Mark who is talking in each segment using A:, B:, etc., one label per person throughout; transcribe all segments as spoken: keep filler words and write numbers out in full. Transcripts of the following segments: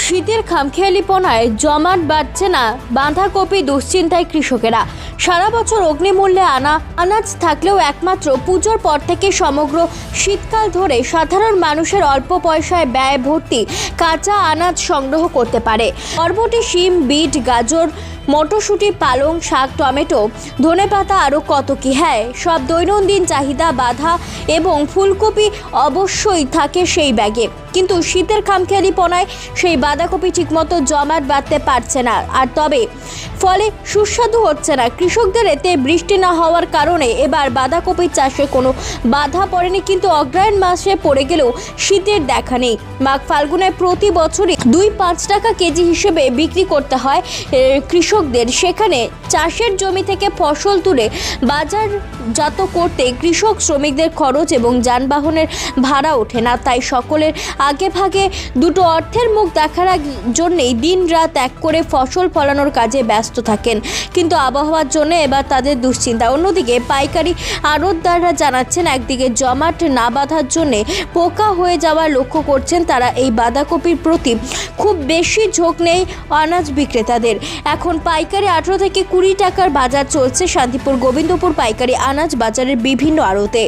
A: শীতের খামখেয়ালিপনায় জমাট বাড়ছে না বাঁধাকপি, দুশ্চিন্তায় কৃষকেরা। সারা বছর অগ্নিমূল্যে আনা আনাজ থাকলেও একমাত্র পুজোর পর থেকে সমগ্র শীতকাল ধরে সাধারণ মানুষের অল্প পয়সায় ব্যয় ভর্তি কাঁচা আনাজ সংগ্রহ করতে পারে। বরবটি, শিম, বিট, গাজর, মটরশুঁটি, পালং শাক, টমেটো, ধনেপাতা, আরও কত কি। হ্যাঁ, সব দৈনন্দিন চাহিদা বাঁধা এবং ফুলকপি অবশ্যই থাকে সেই ব্যাগে। কিন্তু শীতের খামখেয়ালিপনায় সেই বাঁধাকপি ঠিকমতো জমাট বাঁধতে পারছে না, আর তবে ফলে সুস্বাদু হচ্ছে না। কৃষকদের এতে বৃষ্টি না হওয়ার কারণে এবার বাঁধাকপির চাষে কোনো বাধা পড়েনি, কিন্তু অগ্রহায়ণ মাসে পড়ে গেলেও শীতের দেখা নেই। মাঘ ফাল্গুনে প্রতি বছরই দুই পাঁচ টাকা কেজি হিসেবে বিক্রি করতে হয় কৃষকদের। সেখানে চাষের জমি থেকে ফসল তুলে বাজারজাত করতে কৃষক শ্রমিকদের খরচ এবং যানবাহনের ভাড়া ওঠে না। তাই সকলের আগে ভাগে দুটো অর্থের মুখ দেখার জন্যেই দিন রাত এক করে ফসল ফলানোর কাজে ব্যস্ত থাকেন, কিন্তু আবহাওয়ার জন্য এবার তাদের দুশ্চিন্তা। অন্যদিকে পাইকারি আড়তদাররা জানাচ্ছেন, একদিকে জমাট না বাঁধার জন্যে পোকা হয়ে যাওয়ার লক্ষ্য করছেন তারা। এই বাঁধাকপির প্রতি খুব বেশি ঝোঁক নেই আনাজ বিক্রেতাদের। এখন পাইকারি আঠারো থেকে কুড়ি টাকার বাজার চলছে শান্তিপুর গোবিন্দপুর পাইকারি আনাজ বাজারের বিভিন্ন আড়তে।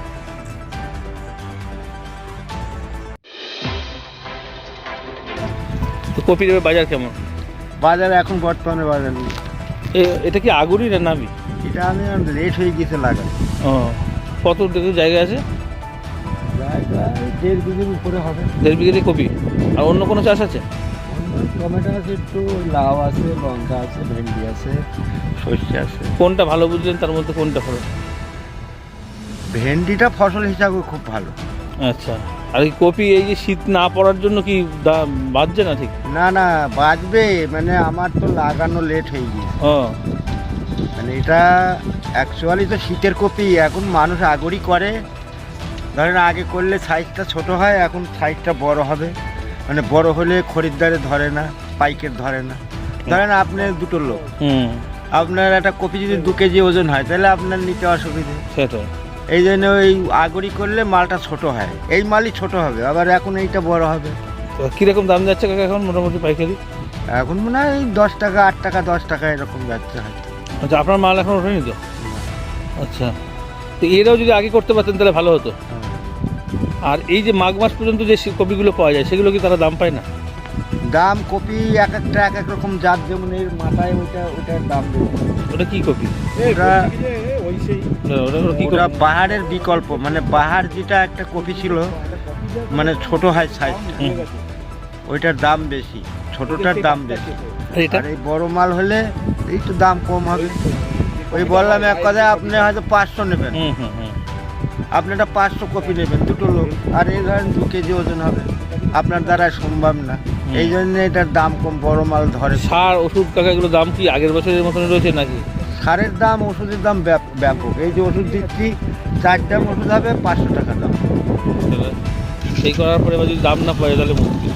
B: কপির বাজার কেমন?
C: বাজার এখন বর্তমানে বাজার নেই।
B: এটা কি আগুরি না নাবি?
C: এটা আমি লেট হয়ে গেছে লাগা।
B: ও, কত জায়গা আছে?
C: জায়গা দেড় বিঘের উপরে হবে।
B: দেড় বিঘে কপি। আর অন্য কোনো চাষ আছে?
C: টমেটো আছে, একটু লাউ আছে, লঙ্কা আছে, ভেন্ডি আছে, সর্ষে আছে।
B: কোনটা ভালো বুঝলেন তার মধ্যে কোনটা ভালো?
C: ভেন্ডিটা ফসল হিসাবে খুব ভালো।
B: আচ্ছা, আর এই কপি এই যে শীত না পড়ার জন্য কি দাম বাড়ছে না? ঠিক
C: না না, বাঁচবে, মানে আমার তো লাগানো লেট হয়ে গিয়েছে।
B: ও,
C: মানে এটা অ্যাকচুয়ালি তো শীতের কপি। এখন মানুষ আগরই করে, ধরেন আগে করলে সাইজটা ছোট হয়, এখন সাইজটা বড় হবে। মানে বড় হলে খরিদ্দারে ধরে না, পাইকের ধরে না। ধরেন আপনার দুটো লোক, আপনার একটা কপি যদি দু কেজি ওজন হয় তাহলে আপনার নিতে অসুবিধে।
B: সেটাই,
C: এই জন্য ওই আগরি করলে মালটা ছোট হয়, এই মালই ছোট হবে, আবার এখন এইটা বড় হবে।
B: কীরকম দাম যাচ্ছে কাকা এখন মোটামুটি পাইকারি?
C: এখন মনে হয় দশ টাকা, আট টাকা, দশ টাকা এরকম যাচ্ছে হয়তো।
B: আচ্ছা, আপনার মাল এখন ওঠেনি তো? আচ্ছা, তো এরাও যদি আগে করতে পারতেন তাহলে ভালো হতো। আর এই যে মাঘ মাস পর্যন্ত যে কপিগুলো পাওয়া যায় সেগুলো কি তারা দাম পায় না?
C: দাম কপি এক একটা এক এক রকম জাত, যেমন এর মাথায় ওইটা ওইটার দাম বেশি।
B: ওটা কি কপি?
C: ওটা পাহাড়ের বিকল্প, মানে পাহাড় যেটা একটা কপি ছিল, মানে ছোট হয় সাইজটা, ওইটার দাম বেশি, ছোটটার দাম বেশি। আর এই বড় মাল হলে একটু দাম কম হবে। ওই বললাম এক কথায়, আপনি হয়তো পাঁচশো নেবেন, আপনি একটা পাঁচশো কপি নেবেন দুটো লোক, আর এই ধরেন দু কেজি ওজন হবে, আপনার দ্বারা সম্ভব না। এই জন্য এটার দাম কম, বড় মাল ধরে।
B: সার ওষুধ কাকা এগুলো দাম কি আগের বছরের মতন রয়েছে নাকি?
C: সারের দাম, ওষুধের দাম ব্যাপক। এই যে ওষুধ দিচ্ছি, চার দাম ওষুধ হবে পাঁচশো টাকা দাম।
B: সেই করার পরে যদি দাম না পায় তাহলে মুশকিল।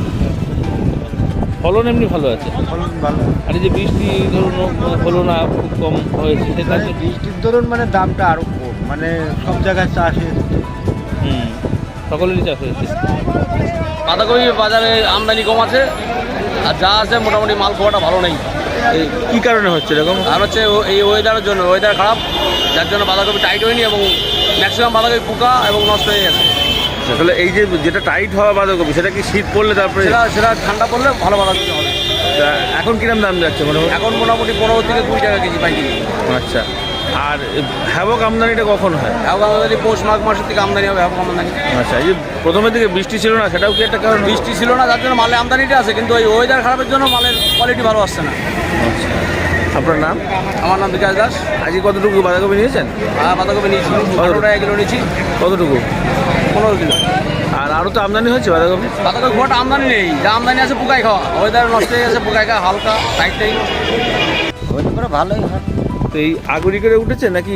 B: ফলন এমনি ভালো আছে,
C: ফলন ভালো।
B: আর এই যে বৃষ্টি ধরুন হলো না, খুব কম হয়েছে, সেটা
C: বৃষ্টির ধরুন মানে দামটা আরও কম, মানে সব জায়গায় চাষ হয়েছে।
B: হুম, সকলেরই চাষ হয়েছে।
D: বাঁধাকপি বাজারে আমদানি কম আছে, আর যা আছে মোটামুটি মাল খাওয়াটা ভালো নেই।
B: এই কী কারণে হচ্ছে এরকম?
D: আর হচ্ছে এই ওয়েদারের জন্য, ওয়েদার খারাপ, যার জন্য বাঁধাকপি টাইট হয়নি এবং ম্যাক্সিমাম বাঁধাকপি পোকা এবং নষ্ট হয়ে গেছে।
B: আসলে এই যে যেটা টাইট হওয়া বাঁধাকপি, সেটা কি শীত পড়লে তারপরে?
D: সেটা সেটা ঠান্ডা পড়লে ভালো বাঁধাকপি হবে।
B: এখন কিরম দাম যাচ্ছে মোটামুটি?
D: এখন মোটামুটি পনেরো থেকে কুড়ি টাকা কেজি পাইকারি।
B: আচ্ছা, আর হ্যাবক আমদানিটা কখন হয়?
D: হ্যাবক আমদানি পৌষ মাঘ মাসের থেকে আমদানি হবে হ্যাবক আমদানি।
B: আচ্ছা, এই যে প্রথমের দিকে বৃষ্টি ছিল না, সেটাও কি একটা কারণ?
D: বৃষ্টি ছিল না, যার জন্য মালের আমদানিটা আছে, কিন্তু ওই ওয়েদার খারাপের জন্য মালের কোয়ালিটি ভালো আসছে না।
B: আচ্ছা, আপনার নাম?
D: আমার নাম বিকাশ দাস।
B: আজকে কতটুকু বাঁধাকপি নিয়েছেন?
D: হ্যাঁ, বাঁধাকপি নিয়েছি, পনেরো টাকা কিলো নিয়েছি।
B: কতটুকু?
D: পনেরো কিলো।
B: আর আরও তো আমদানি হয়েছে বাঁধাকপি?
D: বাঁধাকপি খুব আমদানি নেই, যা আমদানি আছে পোকায় খাওয়া, ওয়েদার নষ্ট হয়ে গেছে, পোকায় খাওয়া হালকা টাইটটাই
C: হতে পারে, ভালোই হয়।
B: তো এই আগুরি করে উঠেছে নাকি?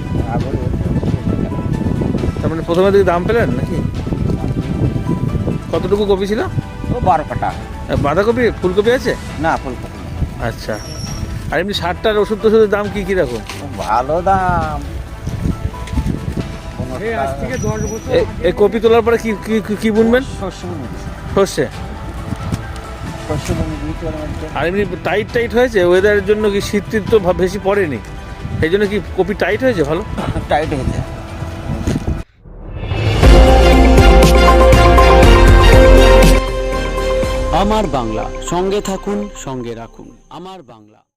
B: তার মানে প্রথমে দিকে দাম পেলেন নাকি? কতটুকু কপি ছিল?
C: ও বারো কাটা।
B: বাঁধাকপি, ফুলকপি আছে
C: না, ফুলকপি।
B: আচ্ছা, আর এমনি সারটার ওষুধ টষুধের দাম কি কীরকম?
C: ভালো দাম।
B: এই কপি তোলার পরে কি কি কি বুনবেন?
C: সর্ষে।
B: সর্ষে।
C: কষ্ট জমি বুঝতে পারলাম।
B: আর এমনি টাইট টাইট হয়েছে ওয়েদারের জন্য, কি শীত টিত তো ভা- বেশি পড়েনি, সেই জন্য কি কপি টাইট হয়েছে ভালো?
C: টাইট হয়েছে।
E: আমার বাংলা, সঙ্গে থাকুন, সঙ্গে রাখুন আমার বাংলা।